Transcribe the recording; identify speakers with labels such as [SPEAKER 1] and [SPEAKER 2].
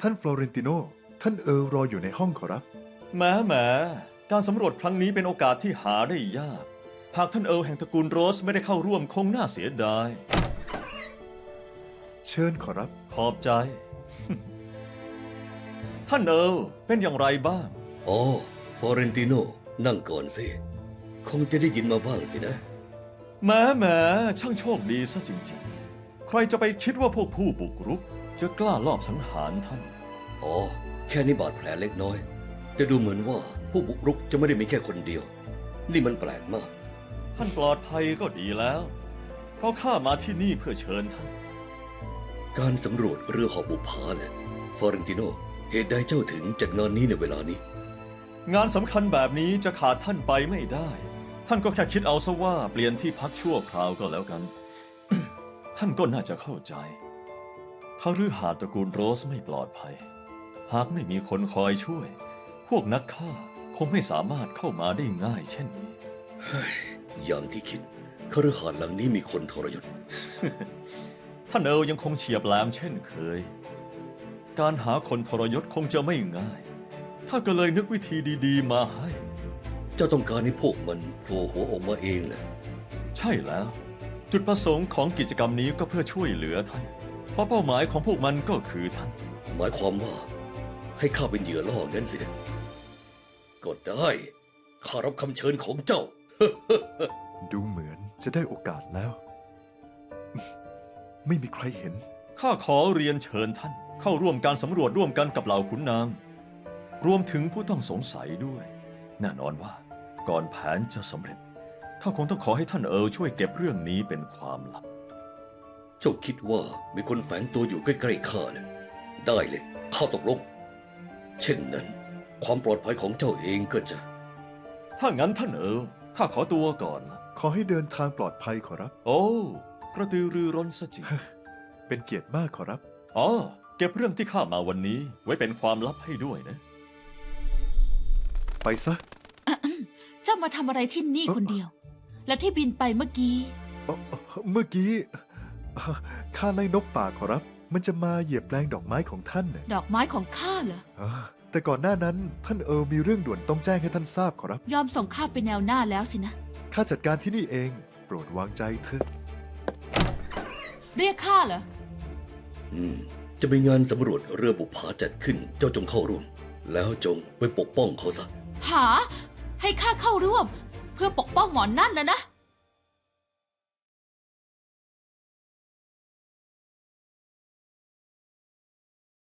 [SPEAKER 1] ท่านฟลอเรนติโนท่านรออยู่ในห้องขอรับ
[SPEAKER 2] แหมการสำรวจครั้งนี้เป็นโอกาสที่หาได้ยาก หากท่านแห่งตระกูลโรสไม่ได้เข้าร่วมคงน่าเสียดาย
[SPEAKER 1] เชิญขอรับ
[SPEAKER 2] ขอบใจ ท่านเป็นอย่างไรบ้าง
[SPEAKER 3] อ๋อฟลอเรนติโนนั่งก่อนสิ คงจะได้ยินมาบ้างสินะ
[SPEAKER 2] แหมช่างโชคดีซะจริงๆ ใครจะไปคิดว่าพวกผู้บุกรุก จะกล้าลอบสังหารท่าน
[SPEAKER 3] อ๋อ แค่นี้บาดแผลเล็กน้อย แต่ดูเหมือนว่าผู้บุกรุกจะไม่ได้มีแค่คนเดียว นี่มันแปลกมาก
[SPEAKER 2] ท่านปลอดภัยก็ดีแล้ว เพราะข้ามาที่นี่เพื่อเชิญท่าน
[SPEAKER 3] การสำรวจเรือหอบบุปผาเนี่ยฟลอเรนติโนเหตุใดเจ้าถึงจัดงานนี้ในเวลานี้
[SPEAKER 2] งานสำคัญแบบนี้จะขาดท่านไปไม่ได้ ท่านก็แค่คิดเอาซะว่าเปลี่ยนที่พักชั่วคราวก็แล้วกัน ท่านก็น่าจะเข้าใจคฤหาสน์ตระกูลโรสไม่ปลอดภัย หากไม่มีคนคอยช่วย พวกนักฆ่าคงไม่สามารถเข้ามาได้ง่ายเช่นนี้
[SPEAKER 3] อย่างที่คิดคฤหาสน์หลังนี้มีคนทรยศ
[SPEAKER 2] ท่านยังคงเฉียบแหลมเช่นเคย การหาคนทรยศคงจะไม่ง่าย ถ้าก็เลยนึกวิธีดีๆมาให้
[SPEAKER 3] เจ้าต้องการให้พวกมันโผล่หัวออกมาเองแหละ
[SPEAKER 2] ใช่แล้ว จุดประสงค์ของกิจกรรมนี้ก็เพื่อช่วยเหลือท่าน เพราะเป้าหมายของพวกมันก็คือท่าน
[SPEAKER 3] หมายความว่าให้ข้าเป็นเหยื่อล่องั้นสินะก็ได้ข้ารับคำเชิญของเจ้า
[SPEAKER 1] ดูเหมือนจะได้โอกาสแล้ว ไม่มีใครเห็น
[SPEAKER 2] ข้าขอเรียนเชิญท่าน เข้าร่วมการสำรวจร่วมกันกับเหล่าขุนนาง รวมถึงผู้ต้องสงสัยด้วย แน่นอนว่าก่อนแผนจะสำเร็จข้าคงต้องขอให้ท่านช่วยเก็บเรื่องนี้เป็นความลับ
[SPEAKER 3] เจ้าคิดว่ามีคนแฝงตัวอยู่ใกล้ๆข้าเลยได้เลยข้าตกลง เช่นนั้น ความปลอดภัยของเจ้าเองก็จะ
[SPEAKER 2] ถ้างั้นท่านข้าขอตัวก่อนละ
[SPEAKER 1] ขอให้เดินทางปลอดภัยขอรับ
[SPEAKER 2] โอ้กระตือรือร้นซะจริง
[SPEAKER 1] เป็นเกียรติมากขอรับ
[SPEAKER 2] อ๋อเก็บเรื่องที่ข้ามาวันนี้ ไว้เป็นความลับให้ด้วยนะ
[SPEAKER 1] ไปซะ
[SPEAKER 4] เจ้ามาทำอะไรที่นี่คนเดียว และที่บินไปเมื่อกี้
[SPEAKER 1] เมื่อกี้ข้าไล่นกป่าขอรับ มันจะมาเหยียบแปลงดอกไม้ของท่านน่ะ
[SPEAKER 4] ดอกไม้ของข้าเหรอ
[SPEAKER 1] แต่ก่อนหน้านั้นท่านมีเรื่องด่วนต้องแจ้งให้ท่านทราบขอรับ
[SPEAKER 4] ยอมส่งข้าไปแนวหน้าแล้วสินะ
[SPEAKER 1] ข้าจัดการที่นี่เอง โปรดวางใจเถอะ
[SPEAKER 4] เรียกข้าเหรอ
[SPEAKER 3] จะมีงานสำรวจเรือบุปผาจัดขึ้นเจ้าจงเข้าร่วม แล้วจงไปปกป้องเขาซะ
[SPEAKER 4] หา ให้ข้าเข้าร่วม เพื่อปกป้องหมอนนั่นนะ